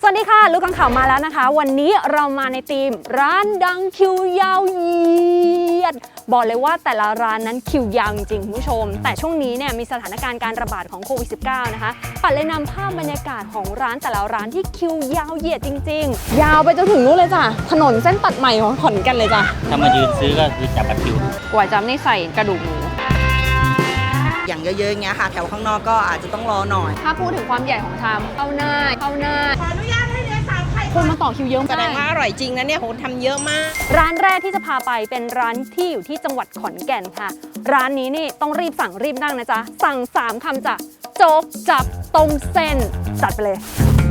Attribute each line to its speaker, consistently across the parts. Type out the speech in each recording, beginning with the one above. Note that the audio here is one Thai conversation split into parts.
Speaker 1: วัสดีค่ะลูกกังข่าวมาแล้วนะคะวันนี้เรามาในธีมร้านดังคิวยาวเหยียดบอกเลยว่าแต่ละร้านนั้นคิวยาวจริงๆคุณผู้ชมแต่ช่วงนี้เนี่ยมีสถานการณ์การระบาดของโควิด -19 นะคะปัดเลยนำภาพบรรยากาศของร้านแต่ละร้านที่คิวยาวเหยียดจริงๆยาวไปจนถึงนู้นเลยจ้ะถนนเส้นตัดใหม่ของขอนแก่นเลยจ้ะ
Speaker 2: ถ้ามายืนซื้อก็คือจับบัตรคิว
Speaker 1: ก๋วยจั๊บนี่ใส่กระดูกหมู
Speaker 3: อย่างเยอะๆอย่างเงี้ยค่ะแถวข้างนอกก็อาจจะต้องรอหน่อย
Speaker 1: ถ้าพูดถึงความใหญ่ของชามเข้าหน้าขออนุญาตให้เรียน3ไข่คนมาต่อคิวเยอะมาก
Speaker 3: แสดงว่าอร่อยจริงนะเนี่ยโหทำเยอะมาก
Speaker 1: ร้านแรกที่จะพาไปเป็นร้านที่อยู่ที่จังหวัดขอนแก่นค่ะร้านนี้นี่ต้องรีบสั่งรีบนั่งนะจ๊ะสั่ง3คำจ้ะโจ๊กจับต้มเส้นจัดไปเลย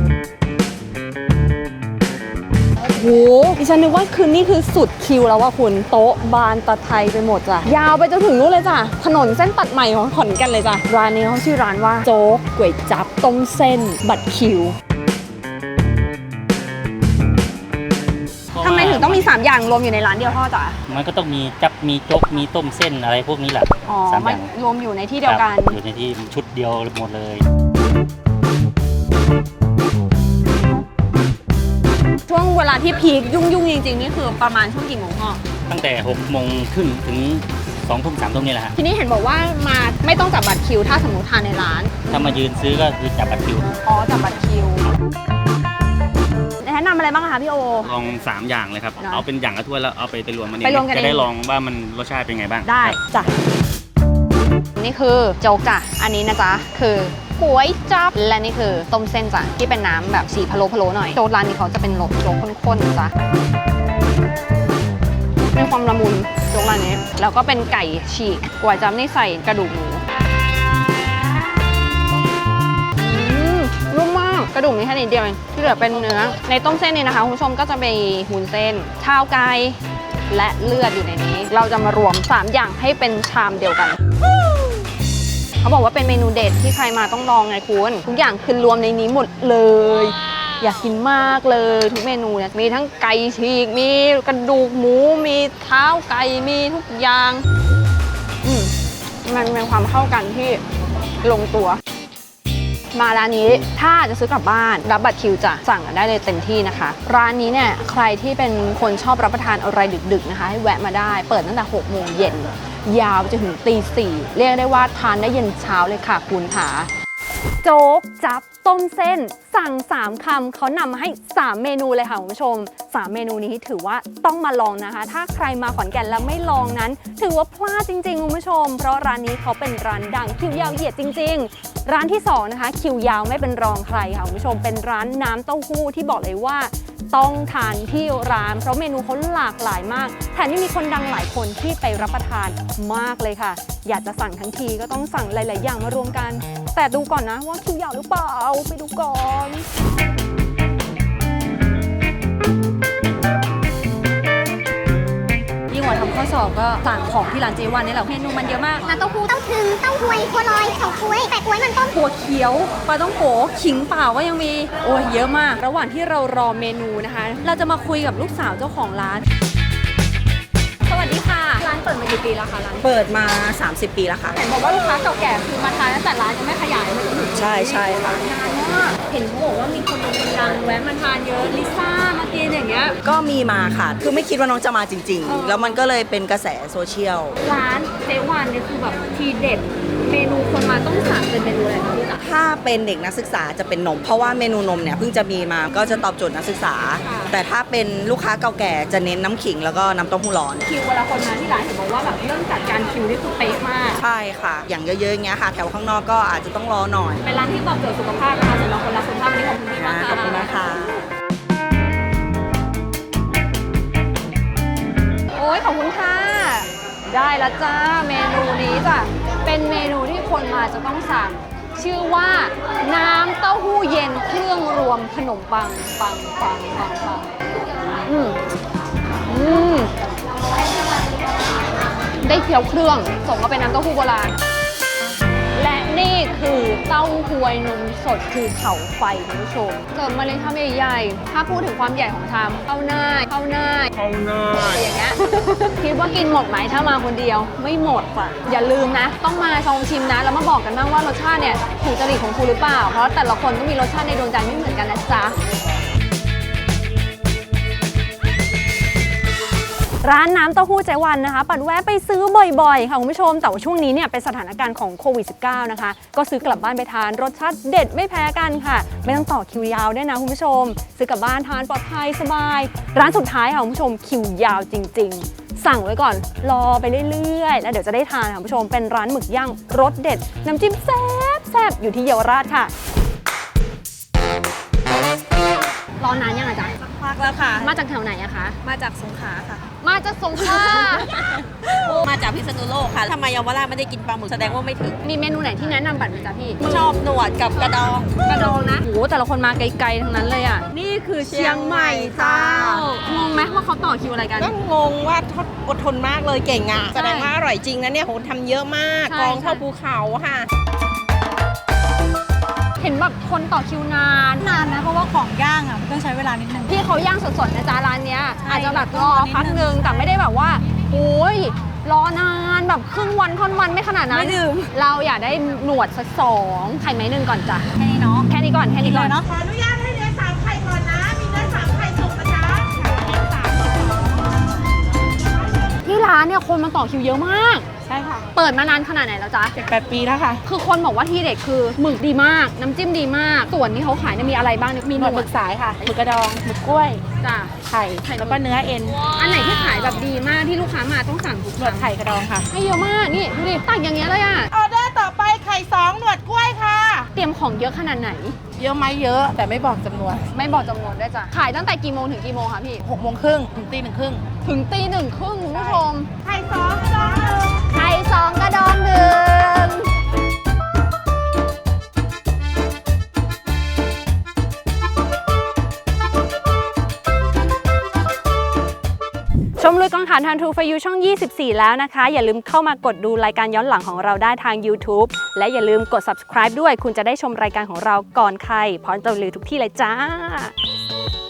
Speaker 1: โอ้โหดิฉันนึกว่าคืนนี้คือสุดคิวแล้วว่าคุณโต๊ะบานตะไทยไปหมดจ้ะยาวไปจนถึงนู้นเลยจ้ะถนนเส้นตัดใหม่ของขอนแก่นเลยจ้ะร้านนี้เขาชื่อร้านว่าโจ๊กก๋วยจั๊บต้มเส้นบัตรคิวทำไมถึงต้องมี3อย่างรวมอยู่ในร้านเดียวพ่อจ๋า
Speaker 2: มันก็ต้องมีจับมีโจ๊กมีต้มเส้นอะไรพวกนี้แหละ
Speaker 1: 3 อย่างรวมอยู่ในที่เดียวกัน
Speaker 2: อยู่ในที่ชุดเดียวหมดเลย
Speaker 1: ช่วงเวลาที่พีคยุ่งจริงๆนี่คือประมาณช่วงกี่โมงพ่อ
Speaker 2: ตั้งแต่6 โมงครึ่งถึง2 ทุ่ม 3 ทุ่มนี่แหละฮะ
Speaker 1: ทีนี้เห็นบอกว่ามาไม่ต้องจับบัตรคิวถ้าสมมติทานในร้าน
Speaker 2: ถ้ามายืนซื้อก็คือจับบัตรคิว
Speaker 1: จับบัตรคิวแนะนำอะไรบ้างคะพี่โอ
Speaker 2: ลอง3 อย่างเลยครับเอาเป็นอย่างละถ้วยแล้วเอาไปรวมมันเอง
Speaker 1: จะ
Speaker 2: ได้ลองว่ามันรสชาติเป็นไงบ้าง
Speaker 1: ได้จ้ะนี่คือโจ๊กจ้ะอันนี้นะจ๊ะคือก๋วยจั๊บและนี่คือต้มเส้นจ้ะที่เป็นน้ำแบบสีพะโล้หน่อยโจ๊กร้านนี้เขาจะเป็นรสโจ๊กข้นๆจ้ะมีความละมุนโจ๊กร้านนี้แล้วก็เป็นไก่ฉีกก๋วยจั๊บนี่ใส่กระดูกหมูนุ่มมากกระดูกมีแค่นิดเดียวเองที่เหลือเป็นเนื้อในต้มเส้นนี่นะคะคุณผู้ชมก็จะมีหุนเส้นข้าวไก่และเลือดอยู่ในนี้เราจะมารวม3อย่างให้เป็นชามเดียวกันเขาบอกว่าเป็นเมนูเด็ดที่ใครมาต้องลองไงคุณทุกอย่างคือรวมในนี้หมดเลยอยากกินมากเลยทุกเมนูเนี่ยมีทั้งไก่ฉีกมีกระดูกหมูมีเท้าไก่มีทุกอย่างมันเป็นความเข้ากันที่ลงตัวมาร้านนี้ถ้าจะซื้อกลับบ้านรับบัตรคิวจะสั่งได้เลยเต็มที่นะคะร้านนี้เนี่ยใครที่เป็นคนชอบรับประทานอะไรดึกๆนะคะให้แวะมาได้เปิดตั้งแต่6 โมงเย็นยาวจนถึงตี 4เรียกได้ว่าทานได้เย็นเช้าเลยค่ะคุณค่ะโจ๊กจั๊บต้มเส้นสั่ง3 คำเขานำมาให้3 เมนูเลยค่ะคุณผู้ชม3 เมนูนี้ถือว่าต้องมาลองนะคะถ้าใครมาขอนแก่นแล้วไม่ลองนั้นถือว่าพลาดจริงๆคุณผู้ชมเพราะร้านนี้เขาเป็นร้านดังคิวยาวเหยียดจริงๆร้านที่2นะคะคิวยาวไม่เป็นรองใครค่ะคุณผู้ชมเป็นร้านน้ำเต้าหู้ที่บอกเลยว่าต้องทานที่ร้านเพราะเมนูเขาหลากหลายมากแถมยังมีคนดังหลายคนที่ไปรับประทานมากเลยค่ะอยากจะสั่งทั้งทีก็ต้องสั่งหลายๆอย่างมารวมกันแต่ดูก่อนนะว่าคิวยาวหรือเปล่าไปดูก่อนยิ่งกว่าทำข้อสอบก็สั่งของที่ร้านเจวันนี่แหละเมนูมันเยอะมาก
Speaker 4: น้ำเต้าหู้เต้าถึงเต้าหวยบัวลอยเฉาก๊วยแปะก๊วยมันต้ม
Speaker 1: ถั่วเขียวปลาต้องโกขิงเปล่าก็ยังมีโอ้ยเยอะมากระหว่างที่เรารอเมนูนะคะเราจะมาคุยกับลูกสาวเจ้าของร้านสวัสดีค่ะร้านเปิดมากี่ปีแล้วคะร้าน
Speaker 3: เปิดมา30 ปีแล้วค่ะ
Speaker 1: เห็นบอกว่าลูกค้าเก่าแก่คือมาทานตั้งแต่ร้านยังไม่ขยายมาจนถึง
Speaker 3: ใช่ค่ะ
Speaker 1: นานมากเห็นเขาบอกว่ามีคนดังแวะมาทานเยอะลิซ่ามากินอย่างเงี้ย
Speaker 3: ก็มีมาค่ะคือไม่คิดว่าน้องจะมาจริงๆแล้วมันก็เลยเป็นกระแสโซเชียล
Speaker 1: ร้านเจวันเนี่ยคือแบบทีเด็ดเมนูคนมาต้องสั่งเป็นเมนูอะไรคะพี่จ๋า
Speaker 3: ถ้าเป็นเด็กนักศึกษาจะเป็นนมเพราะว่าเมนูนมเนี่ยเพิ่งจะมีมาก็จะตอบโจทย์นักศึกษาแต่ถ้าเป็นลูกค้าเก่าแก่จะเน้นน้ำขิงแล้วก็น้ำเต้าหู้ร้อน
Speaker 1: คิวเวลาคนมาที่ร้านเห็นบอกว่าแบบเรื่องจัดการคิวนี่คือเป๊ะมาก
Speaker 3: ใช่ค่ะอย่างเยอะๆอย่างเงี้ยค่ะแถวข้างนอกก็อาจจะต้องรอหน่อย
Speaker 1: เป็นร้านที่ตอบโจทย์สุขภาพนะคะสำหรับคนรักสุขภาพวันนี้ขอบคุณมากค่ะ
Speaker 3: ขอบคุณนะคะ
Speaker 1: โอ้ยขอบคุณค่ะได้แล้วจ้าเมนูนี้จ้ะเป็นเมนูที่คนมาจะต้องสั่งชื่อว่าน้ำเต้าหู้เย็นเครื่องรวมขนมปังได้เคี้ยวเครื่องส่งมาเป็นน้ำเต้าหู้โบราณและนี่คือเต้าหวยนมสดคือเขาไฟคุณผู้ชมเสิร์ฟมาเลยชามใหญ่ๆถ้าพูดถึงความใหญ่ของชามเข้าหน้าอย่างเงี้ย คิดว่ากินหมดไหมถ้ามาคนเดียวไม่หมดค่ะอย่าลืมนะต้องมาลองชิมนะแล้วมาบอกกันบ้างว่ารสชาติเนี่ยถูกจริตของคุณหรือเปล่าเพราะแต่ละคนก็มีรสชาติในดวงใจไม่เหมือนกันนะจ๊ะร้านน้ำเต้าหู้เจ๊วันนะคะปัดแวะไปซื้อบ่อยๆค่ะคุณผู้ชมแต่ว่าช่วงนี้เนี่ยเป็นสถานการณ์ของโควิด -19 นะคะก็ซื้อกลับบ้านไปทานรสชาติเด็ดไม่แพ้กันค่ะไม่ต้องต่อคิวยาวด้วยนะคุณผู้ชมซื้อกลับบ้านทานปลอดภัยสบายร้านสุดท้ายค่ะคุณผู้ชมคิวยาวจริงๆสั่งไว้ก่อนรอไปเรื่อยๆแล้วเดี๋ยวจะได้ทานค่ะคุณผู้ชมเป็นร้านหมึกย่างรสเด็ดน้ำจิ้มแซ่บๆอยู่ที่เยาวราชค่ะรอนานยังอะจ๊ะ
Speaker 5: พักแล้วค่ะ
Speaker 1: มาจากแถวไหนอะคะ
Speaker 5: มาจากสงขลาค่ะ
Speaker 1: มาจากสงขลา
Speaker 5: มาจากพิษณุโลกค่ะทำไมเยาวราชไม่ได้กินปลาหมึกแสดงว่าไม่ถึง
Speaker 1: มีเมนูไหนที่แนะนำบัตรไหมจ๊ะพี่
Speaker 5: ชอบหนวดกับกระดอง
Speaker 1: กระดองนะโหแต่ละคนมาไกลๆทั้งนั้นเลยอ่ะ นี่คือเชียงใหม่เจ้างงไหมว่าเขาต่อคิวอะไรกัน
Speaker 6: ก็งงว่าเขาอดทนมากเลยเก่งอ่ะ แสดงว่าอร่อยจริงนะเนี่ยโหทำเยอะมาก
Speaker 1: ใช่
Speaker 6: กองเท่าภูเขาค่ะ
Speaker 1: เห็นแบบคนต่อคิวนาน
Speaker 7: นานนะเพราะว่าของย่างอ่ะมันต้องใช้เวลานิดนึง
Speaker 1: พี่เขาย่างสดๆนะจ๊ะร้านเนี้ย
Speaker 7: ใช่
Speaker 1: อาจจะแบบรอพักนึงแต่ไม่ได้แบบว่าโอ้ยรอนานแบบครึ่งวันค่อนวันไม่ขนาดนั้น
Speaker 7: ไม่ดื่ม
Speaker 1: เราอยากได้หนวดสัก2ไข่ไม้หนึ่งก่อนจ้ะ
Speaker 7: แค่นี้เนาะ
Speaker 1: แค่นี้ก่อนแค่นี้ก่อน
Speaker 7: เนาะ
Speaker 6: ขออนุญาตให้เนื้อ3ไข่ก่อนนะ มีเนื้อ3ไข่สุกนะจ๊ะ
Speaker 1: ที่ร้านเนี่ยคนมาต่อคิวเยอะมาก
Speaker 6: ใช่ค่ะ
Speaker 1: เปิดมานานขนาดไหนแล้วจ๊ะ
Speaker 6: 7-8 ปีแล้วค่ะ
Speaker 1: คือคนบอกว่าที่เด็ดคือหมึกดีมาก น้ำจิ้มดีมาก ส่วนที่เขาขายเนี่ยมีอะไรบ้างเนี่ยมี
Speaker 6: มี
Speaker 1: ห
Speaker 6: ห
Speaker 1: น
Speaker 6: น
Speaker 1: ว
Speaker 6: ว
Speaker 1: ด
Speaker 6: ดหมึกสายค่ะหมึกกระดองหมึกกล้วย
Speaker 1: จ้ะ
Speaker 6: ไข่ แล้วก็เนื้อเอ็น
Speaker 1: อันไหนที่ขายแบบดีมากที่ลูกค้ามาต้องสั่งทุก
Speaker 6: หน
Speaker 1: คว รั้
Speaker 6: ด
Speaker 1: ง
Speaker 6: ไข่กระดองค่ะ
Speaker 1: ให้เยอะมาก นี่ดูดิตักอย่างเงี้ยเลยอ่ะ
Speaker 6: ออเดอร์ต่อไปไข่2หนวดกล้วยค่ะ
Speaker 1: เตรียมของเยอะขนาดไหน
Speaker 6: เยอะไหมเยอะ แต่ไม่บอกจำนวน
Speaker 1: ไม่บอกจำนวนด้วยจ้ะ ขายตั้งแต่กี่โมงถึงกี่โมงคะพี่
Speaker 6: 6 โมงครึ่งถึงตี 1 ครึ่ง
Speaker 1: ถึงตี 1 ครึ่งคุณผู้ชม
Speaker 6: ไข่2กระดองหนึ่ง
Speaker 1: ไข่2กระดองหนึ่งชมลุยกองถ่านทันทูฟยูช่อง 24 แล้วนะคะ อย่าลืมเข้ามากดดูรายการย้อนหลังของเราได้ทาง YouTube และอย่าลืมกด subscribe ด้วย คุณจะได้ชมรายการของเราก่อนใครพร้อมจะรีวิวทุกที่เลยจ้า